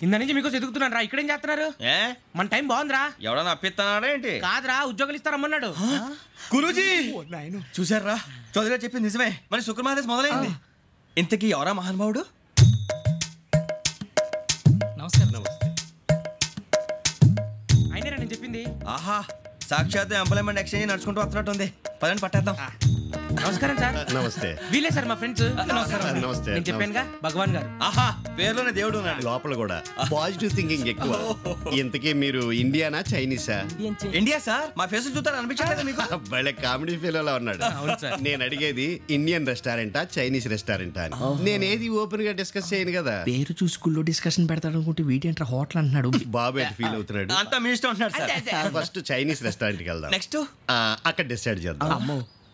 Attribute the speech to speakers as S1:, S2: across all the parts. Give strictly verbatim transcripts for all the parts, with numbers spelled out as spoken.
S1: ఇంత నుంచి మీకు ఎదుగుతున్నాను రా. ఇక్కడేం చేస్తున్నారు?
S2: ఏ
S1: మన టైం బాగుందిరా.
S2: ఎవడన్నా అప్పిస్తున్నాడా ఏంటి?
S1: కాదురా, ఉద్యోగాలు ఇస్తారమ్మన్నాడు.
S2: గురూజీ చూసారా, చౌదరిగా చెప్పింది నిజమే. మరి శుక్రమహాదేశ్ మొదలైంది. ఇంతకీ ఎవరా మహానుభావుడు?
S1: నమస్కారం. నమస్తే. అయినరా నేను చెప్పింది?
S2: ఆహా, సాక్షాత్ ఎంప్లాయ్మెంట్ ఎక్స్చేంజ్ నడుచుకుంటూ వస్తున్నట్టు ఉంది. పదండి పట్టేద్దాం.
S1: నమస్కారం సార్.
S3: నమస్తే.
S1: వీలే సార్ మా ఫ్రెండ్స్. నమస్కారం.
S3: నమస్తే.
S1: నేను చెప్పానుగా భగవాన్ గారు.
S2: ఆహా, పేర్లోనే దేవుడు ఉన్నాడు.
S3: లోపల కూడా పాజిటివ్ థింకింగ్ ఎక్కువ. ఇంతకీ మీరు ఇండియానా చైనీసా?
S2: India sir. మా ఫేస్ చూస్తారు అనిపించలేదు మీకు?
S3: భలే కామెడీ ఫీల్ అలా ఉన్నాడు. నేను అడిగేది ఇండియన్ రెస్టారెంటా చైనీస్ రెస్టారెంటా అని. నేనేది ఓపెన్ గా డిస్కస్ చేయను కదా.
S1: పేరు చూసుకుల్లో డిస్కషన్ పెడతాడు అనుకుంటే వీటేంట్రా హోటల్ అంటున్నాడు.
S3: బాబు ఎట్ ఫీల్ అవుతున్నాడు.
S2: అంతా మీ ఇష్టం అంటున్నాడు సార్.
S3: ఫస్ట్ చైనీస్ రెస్టారెంట్ కి వెళ్దాం.
S2: నెక్స్ట్
S3: అక్కడ డిసైడ్ చేద్దాం.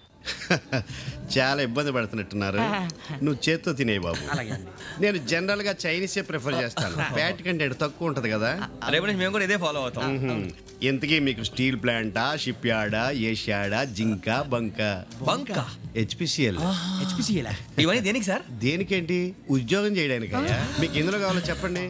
S3: చాలా ఇబ్బంది పడుతున్నట్టున్నారు. నువ్వు చేత్తో తినే బాబు. నేను జనరల్ గా చైనీసే ప్రిఫర్ చేస్తాను. ఫ్యాట్ కంటెంట్ తక్కువ ఉంటది కదా.
S2: రేపు నుంచి మేము కూడా ఇదే ఫాలో అవుతాం.
S3: ఎంతకీ మీకు స్టీల్ ప్లాంటా, షిప్ యార్డా, ఏషియాడా, జింక, బంక?
S2: బంక
S3: హెచ్పిసిఎల్.
S1: హెచ్పిసిఎల్
S2: ఇవన్నీ దేనికి సార్?
S3: దేనికేంటి? ఉద్యోగం చేయడానికి. మీకు ఎందులో కావాలో చెప్పండి.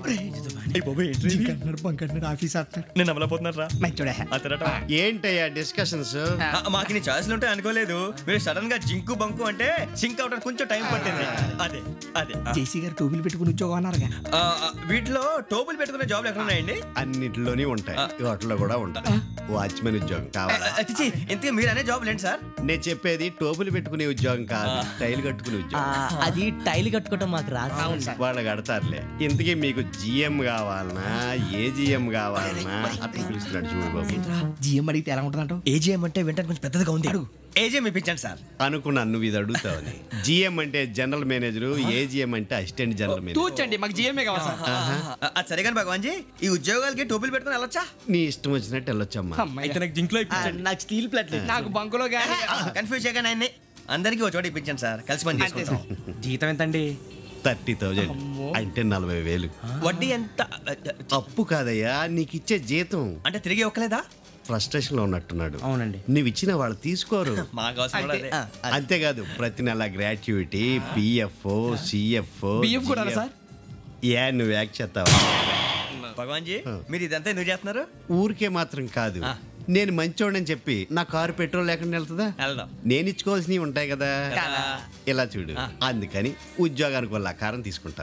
S3: ఏంటయ్యా డిస్కషన్స్?
S2: మాకు నీ ఛాయిస్లు ఉంటాయి అనుకోలేదు. మీరు సడన్ గా జింకు బంకు అంటే సింక్ అవడానికి కొంచెం టైం పట్టింది. అదే అదే
S1: జేసీ గారు టోబుల్ పెట్టుకుని ఉద్యోగం అన్నారుగా.
S2: వీటిలో టోబుల్ పెట్టుకునే జాబ్లు ఎక్కడ ఉన్నాయండి?
S3: అన్నిటిలోనే ఉంటాయి, వాటిలో కూడా ఉంటాయి. వాచ్మెన్ ఉద్యోగం కావాలా?
S2: ఇంతకీ మీరు అనే జాబ్ ఏంటి సార్?
S3: నేను చెప్పేది టోబుల్ పెట్టుకునే ఉద్యోగం కాదు, టైల్ కట్టుకునే ఉద్యోగం.
S4: అది టైల్ కట్టుకోవటం మాకు రాదు.
S3: వాళ్ళు కడతారులే. ఇంతకీ మీకు జిఎం కావాలనా, ఏ జిఎం కావాలనా? అట్లా పిలుస్తున్నాడు చూడు బాబు.
S1: జిఎం అడిగితే ఎలా ఉంటుందంట?
S2: ఏజిఎం అంటే వెంటనే కొంచెం పెద్దదిగా ఉంది. ఏజిఎం ఇప్పించండి సార్.
S3: అనుకున్నాను నువ్వు ఇది అడుగుతావని. జిఎం అంటే జనరల్ మేనేజర్, ఏజిఎం అంటే అసిస్టెంట్ జనరల్ మేనేజర్.
S1: తూచండి, మాకు జిఎంఏ కావాలి సార్.
S2: అది సరే కానీ భగవాన్ జీ, ఈ ఉద్యోగాలకి టోపులు పెట్టుకుని వెళ్ళొచ్చా?
S3: నీ ఇష్టం వచ్చినట్టు వెళ్ళొచ్చమ్మా.
S1: అయితే నాకు జింక్లో ఇప్పించండి.
S4: నాకు స్టీల్ ప్లేట్,
S1: నాకు బంకులో గానీ.
S2: కన్ఫ్యూజ్ చేయగానే ఆయన్ని అందరికీ ఒక చోట ఇప్పించండి సార్. కలిసి పని చేసుకుంటాం.
S1: జీతం ఎంతండి?
S3: థర్టీ థౌజండ్ అంటే నలభై వేలు.
S2: వడ్డీ ఎంత?
S3: అప్పు కాదయ్యా, నీకు ఇచ్చే జీతం.
S2: అంటే తిరిగి ఒక్కలేదా?
S3: ఫ్రస్ట్రేషన్ లో ఉన్నట్టున్నాడు.
S1: అవునండి.
S3: నువ్వు ఇచ్చిన వాళ్ళు తీసుకోరు. అంతేకాదు ప్రతి నెల గ్రాట్యుటీ, పిఎఫ్, సిఎఫ్. ఏ నువ్వు యాక్ చేస్తావా?
S2: భగవాన్ జీ, మీరు ఇదంతా ఎందుకు చేస్తున్నారు?
S3: ఊరికే మాత్రం కాదు, నేను మంచోడని చెప్పి నా కారు పెట్రోల్ లేకుండా వెళ్తుందా? నేను ఇచ్చుకోవాల్సినవి ఉంటాయి కదా. ఇలా చూడు, అందుకని ఉద్యోగానికి వాళ్ళ ఆకారం తీసుకుంటా.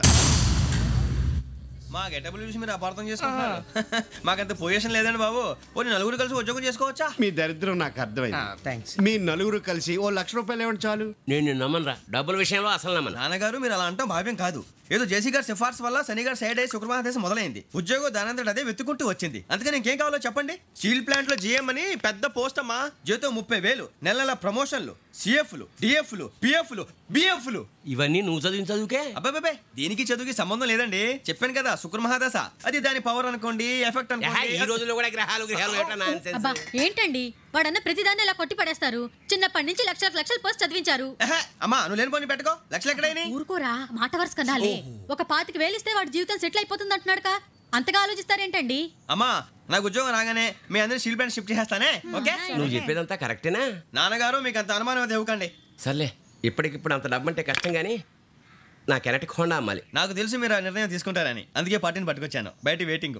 S2: మా గెటబుల్ చూసి మీరు అపార్థం చేసుకుంటున్నారు. మాకంత పొజిషన్ లేదండి బాబు. పోనీ నలుగురు కలిసి ఉద్యోగం చేసుకోవచ్చా?
S3: మీ దరిద్రం నాకు అర్థమైంది. మీ నలుగురు కలిసి ఓ లక్ష రూపాయలు ఏమంటే చాలు.
S4: నేను నమ్మనరా, డబ్బుల విషయంలో అసలు నమ్మను.
S2: నాన్నగారు మీరు అలా అంటాం భావ్యం కాదు. ఏదో జేసీ గారి సిఫార్సు వల్ల శని గారు సైడ్ అయ్యి శుక్రమహాదేశం మొదలైంది. ఉద్యోగం దానంతటి అదే వెతుకుంటూ వచ్చింది. అందుకని ఇంకేం కావాలో చెప్పండి. స్టీల్ ప్లాంట్ లో జిఎం అని పెద్ద పోస్ట్ అమ్మా. జీతం ముప్పై వేలు, నెల నెల ప్రమోషన్లు, సిఎఫ్లు, డిఎఫ్లు, పిఎఫ్లు, బిఎఫ్లు.
S4: ఇవన్నీ నువ్వు చదివిన చదువుకే.
S2: అబ్బాబే, దీనికి చదువుకి సంబంధం లేదండి. చెప్పాను కదా శుక్రమహాదశ, అది దాని పవర్ అనుకోండి, ఎఫెక్ట్ అనుకోండి.
S4: ఈ రోజుల్లో కూడా గ్రహాలు గ్రహాలు
S5: ఏంటండి వాడన్న ప్రతిదాన్ని ఇలా కొట్టి పడేస్తారు. చిన్నప్పటి నుంచి లక్షలకు లక్షలు పోస్ట్ చదివించారు.
S2: అమ్మా నువ్వు లేని పోనీ పెట్టుకో. లక్షలు ఎక్కడైనా
S5: ఊరుకోరా, మాట వరుస కదాలే. ఒక పాతికి వేలిస్తే వాడి జీవితం సెటిల్ అయిపోతుంది అంటున్నాడుగా. అంతగా ఆలోచిస్తారేంటండి?
S2: అమ్మా నాకు ఉద్యోగం రాగానే మీ అందరినీ స్టీల్ ప్లాంట్ షిఫ్ట్ చేస్తానే. ఓకే,
S4: నువ్వు చెప్పేదంతా కరెక్టేనా?
S2: నాన్నగారు మీకు అంత అనుమానం అయితే ఇవ్వకండి.
S4: సర్లే, ఇప్పటికిప్పుడు అంత డబ్బు అంటే కష్టం కానీ నా కెనటిక్ హోండా అమ్మాలి.
S2: నాకు తెలుసు మీరు ఆ నిర్ణయం తీసుకుంటారని, అందుకే పార్టీని పట్టుకొచ్చాను. బయట వెయిటింగ్.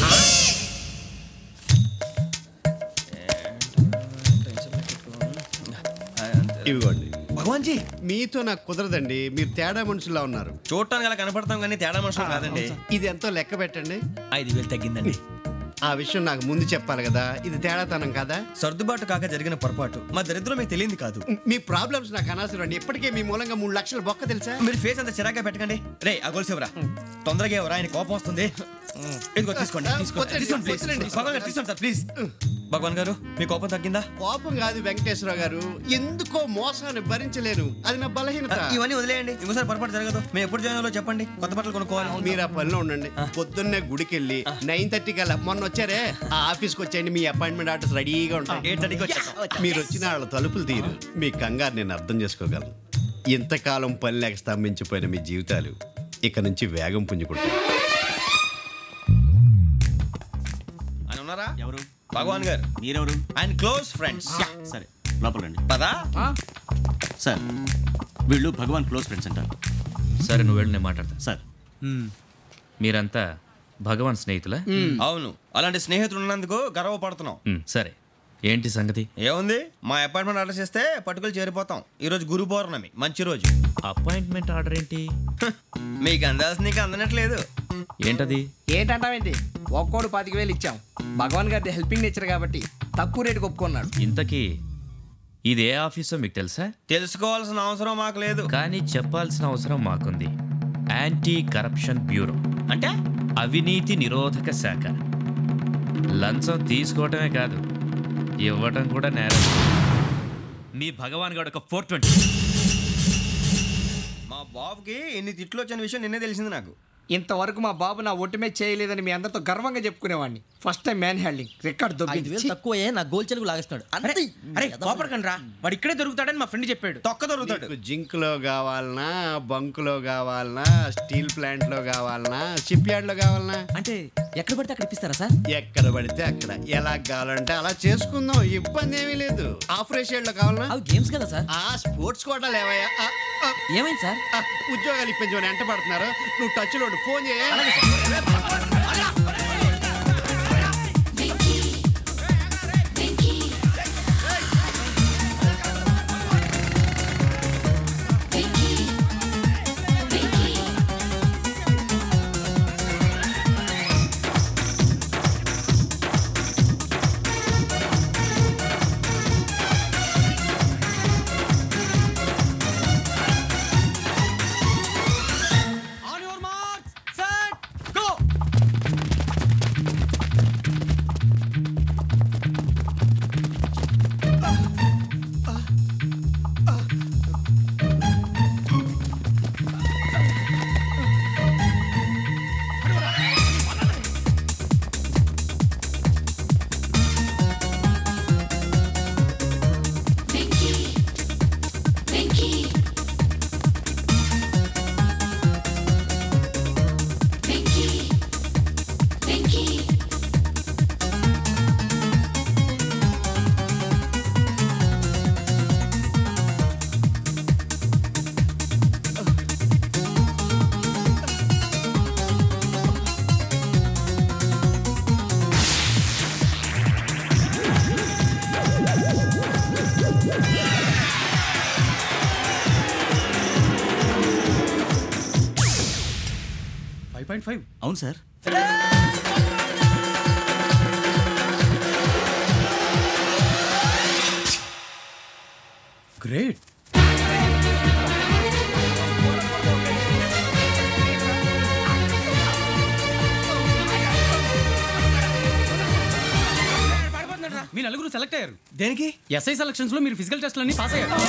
S3: ఇవ్వండి.
S2: భగవాన్ జీ,
S3: మీతో నాకు కుదరదండి. మీరు తేడా మనుషుల్లా ఉన్నారు.
S2: చూడటానికి అలా కనపడతాం కానీ తేడా మనుషులు కాదండి.
S3: ఇది ఎంతో లెక్క పెట్టండి.
S2: ఐదు వేలు తగ్గిందండి.
S3: ఆ విషయం నాకు ముందు చెప్పాలి కదా. ఇది తేడాతనం కదా.
S2: సర్దుబాటు కాక జరిగిన పొరపాటు. మా దరిద్రం మీకు తెలియదు కాదు.
S3: మీ ప్రాబ్లమ్స్ నాకు అనవసరం అండి. ఇప్పటికే మీ మూలంగా మూడు లక్షలు బొక్క తెలుసా.
S2: మీరు ఫేస్ అంత చిరాగ్గా పెట్టకండి. రే ఆ గొలుసు ఎవరా? తొందరగా ఎవరా? ఆయన కోపం వస్తుంది. ఇదిగో తీసుకోండి. తీసుకోండి సార్ ప్లీజ్. భగవాన్ గారు మీ కోపం తగ్గిందా?
S3: కోపం కాదు వెంకటేశ్వర గారు, ఎందుకో మోసాన్ని భరించలేను. అది నా బలహీనత.
S2: ఇవన్నీ వదిలేయండి, ఇంకోసారి పొరపాటు జరగదు. మేము ఎప్పుడు జాయిన్ అవ్వాలో చెప్పండి, కొత్త బట్టలు కొనుక్కోవాలి.
S3: మీరు ఆ పనిలో ఉండండి. పొద్దున్నే గుడికి వెళ్ళి నైన్ థర్టీ కల్లా, మొన్న వచ్చారే ఆ ఆఫీస్కి వచ్చేయండి. మీ అపాయింట్మెంట్ ఆర్డర్స్ రెడీగా ఉంటాయి.
S2: ఎయిట్ థర్టీకి వచ్చా.
S3: మీరు వచ్చిన వాళ్ళ తలుపులు తీరు. మీ కంగారు నేను అర్థం చేసుకోగలను. ఇంతకాలం పని లేక స్తంభించిపోయిన మీ జీవితాలు ఇక నుంచి వేగం పుంజుకుంటాయి.
S2: ఆయన ఉన్నారా?
S6: ఎవరు?
S2: భగవాన్ గారు.
S6: మీరెవరు?
S2: ఆయన క్లోజ్ ఫ్రెండ్స్.
S6: సరే లోపల రండి.
S2: పదా
S6: సార్, వీళ్ళు భగవాన్ క్లోజ్ ఫ్రెండ్స్ అంటారు.
S7: సరే నువ్వు వెళ్ళి నేను మాట్లాడతా.
S6: సార్
S7: మీరంతా భగవాన్ స్నేహితులా?
S2: అవును, అలాంటి స్నేహితులు ఉన్నందుకు గర్వపడుతున్నాం.
S7: మ్, సరే ఏంటి సంగతి?
S2: ఏముంది, మా అపాయింట్మెంట్ ఆర్డర్ చేస్తే పట్టుకులు చేరిపోతాం. ఈ రోజు గురు పౌర్ణమి, మంచి రోజు.
S7: అపాయింట్మెంట్ ఆర్డర్ ఏంటి?
S2: మీకు అందాల్సిన నీకు అందనట్లేదు.
S7: ఏంటది?
S1: ఏంటంటావేంటి? ఒక్కోడు పాతిక వేలు ఇచ్చాం. భగవాన్ గారి హెల్పింగ్ నేచర్ కాబట్టి తక్కువ రేటుకి ఒప్పుకున్నాడు.
S7: ఇంతకీ ఇది ఏ ఆఫీసో మీకు తెలుసా?
S2: తెలుసుకోవాల్సిన అవసరం మాకు లేదు,
S7: కానీ చెప్పాల్సిన అవసరం మాకుంది. యాంటీ కరప్షన్ బ్యూరో
S2: అంటే
S7: అవినీతి నిరోధక శాఖ. లంచం తీసుకోవటమే కాదు, ఇవ్వటం కూడా నేరం. మీ భగవాన్ గారు ఒక ఫోర్ ట్వంటీ.
S2: మా బాబుకి ఎన్ని తిట్లు వచ్చిన విషయం నిన్నే తెలిసింది నాకు.
S1: ఇంతవరకు మా బాబు నా ఒట్టుమే చేయలేదని మీ అందరితో గర్వంగా చెప్పుకునేవాడిని. First time man handing record దొబ్బింది.
S8: తక్కువే నా గోల్ చెలుగు లాగేస్తున్నాడు.
S2: అరే కోపడకండి రా, వాడు ఇక్కడే దొరుకుతాడని మా ఫ్రెండ్ చెప్పాడు. తొక్క దొరుకుతాడు.
S3: జింక్ లో కావాలనా, బంక్ లో కావాలనా, స్టీల్ ప్లాంట్ లో కావాలనా, షిప్ యార్డ్ లో కావాలనా?
S8: అంటే ఎక్కడ పడితే అక్కడ ఇప్పిస్తారా సార్?
S3: ఎక్కడ పడితే అక్కడ, ఎలా కావాలంటే అలా చేసుకుందాం, ఇబ్బంది ఏమీ లేదు. ఆపరేషన్ లో కావాలనా?
S8: అవి గేమ్స్ కదా సార్.
S3: ఆ స్పోర్ట్స్ కోటా లేవయ్యా. ఆ, ఆ,
S8: ఏమైంది సార్?
S3: ఆ, ఉద్యోగాలు ఇప్పించమని ఎంట పడుతున్నారు. నువ్వు టచ్ లో ఫోన్ చేయ.
S6: అవును సార్.
S2: గ్రేట్.
S9: మీ నలుగురు సెలెక్ట్ అయ్యారు.
S2: దేనికి?
S9: ఎస్ఐ సెలక్షన్స్ లో మీరు ఫిజికల్ టెస్ట్ అన్ని పాస్ అయ్యారు.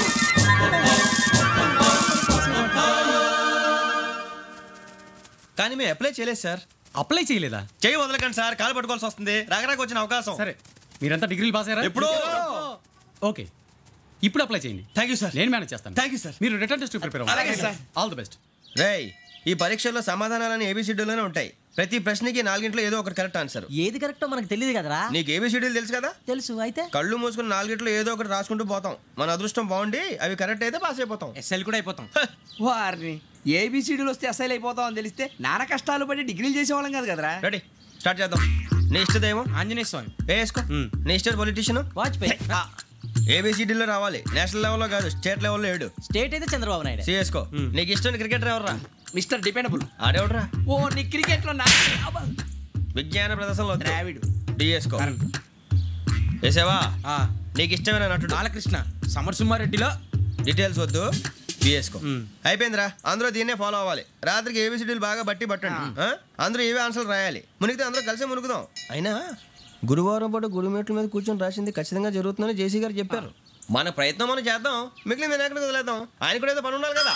S2: కానీ మేము అప్లై చేయలేదు సార్.
S9: అప్లై చేయలేదా?
S2: చేయి వదలకండి సార్, కాలు పట్టుకోవాల్సి వస్తుంది. రాగరాకు వచ్చిన అవకాశం.
S9: సరే, మీరంతా డిగ్రీలు పాస్ అయ్యారా?
S2: ఎప్పుడో.
S9: ఓకే, ఇప్పుడు అప్లై చేయండి.
S2: Thank you sir.
S9: నేను మేనేజ్ చేస్తాను.
S2: Thank you sir.
S9: మీరు రిటర్న్ టెస్ట్ ప్రిపేర్ అవ్వండి.
S2: అలాగే సార్.
S9: All the best.
S2: రేయ్, ఈ పరీక్షల్లో సమాధానాలని ఏబిసిడ్యూల్లోనే ఉంటాయి. ప్రతి ప్రశ్నకి నాలుగింట్లో ఏదో ఒకటి కరెక్ట్ ఆన్సర్.
S8: ఏది కరెక్టో మనకు తెలియదు కదరా.
S2: నీకు ఏబిసిడ్యూల్ తెలుసు కదా?
S8: తెలుసు. అయితే
S2: కళ్ళు మూసుకుని నాలుగింట్లో ఏదో ఒకటి రాసుకుంటూ పోతాం. మన అదృష్టం బాగుండి అవి కరెక్ట్ అయితే పాస్ అయిపోతాం.
S1: ఎస్ఎల్ కూడా అయిపోతాం. వారిని ఏబిసిడీలు వస్తే ఎస్ఐలు అయిపోతాం అని తెలిస్తే నాన్న కష్టాలు పడి డిగ్రీలు చేసేవాళ్ళం కాదు కదరా.
S2: రెడీ, స్టార్ట్ చేద్దాం. నీ ఇష్టదేమో
S1: ఆంజనేయ స్వామి.
S2: వేసుకో. నీ ఇష్ట పొలిటీషియన్
S8: వాజ్పేయి.
S2: ఏబిసిడీలో రావాలి, నేషనల్ లెవెల్లో కాదు, స్టేట్ లెవెల్లో ఏడు.
S8: స్టేట్ అయితే చంద్రబాబు నాయుడు.
S2: సిఎస్కో. నీకు ఇష్టం క్రికెటర్ ఎవర్రా?
S1: Mister dependable.
S2: ఆడేవడరా?
S1: ఓ నీ క్రికెట్ లో
S2: విజ్ఞాన ప్రదర్శనలో
S1: ద్రావిడు.
S2: డిఎస్కో. వేసావా? నీకు ఇష్టమైన నటుడు?
S1: బాలకృష్ణ. సమర్సుమారెడ్డిలో
S2: డీటెయిల్స్ వద్దు, బిఎస్కో. అయిపోయిందిరా, అందరూ దీన్నే ఫాలో అవ్వాలి. రాత్రికి ఏబిసిడీలు బాగా బట్టి పట్టండి. ఆ? అందరూ ఏవే ఆన్సర్లు రాయాలి. మునిగితే అందరూ కలిసి మునుగుదాం. అయినా గురువారం పాటు గురుమేట్ల మీద కూర్చొని రాసింది ఖచ్చితంగా జరుగుతుందని జేసీ గారు చెప్పారు. మన ప్రయత్నం మనం చేద్దాం, మిగిలిన నేను ఎక్కడికి వదిలేద్దాం. ఆయన కూడా ఏదో పని ఉండాలి కదా.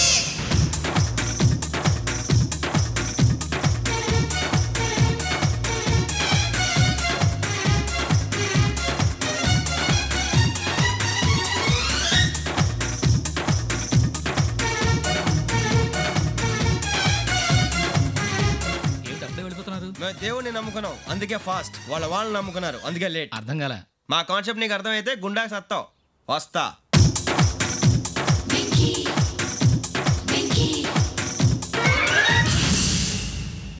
S2: మేము దేవుడిని నమ్ముకున్నాం, అందుకే ఫాస్ట్. వాళ్ళ వాళ్ళు నమ్ముకున్నారు, అందుకే లేట్.
S9: అర్థం కాలే.
S2: మా కాన్సెప్ట్ నీకు అర్థమైతే గుండాకి సత్తావు. వస్తా.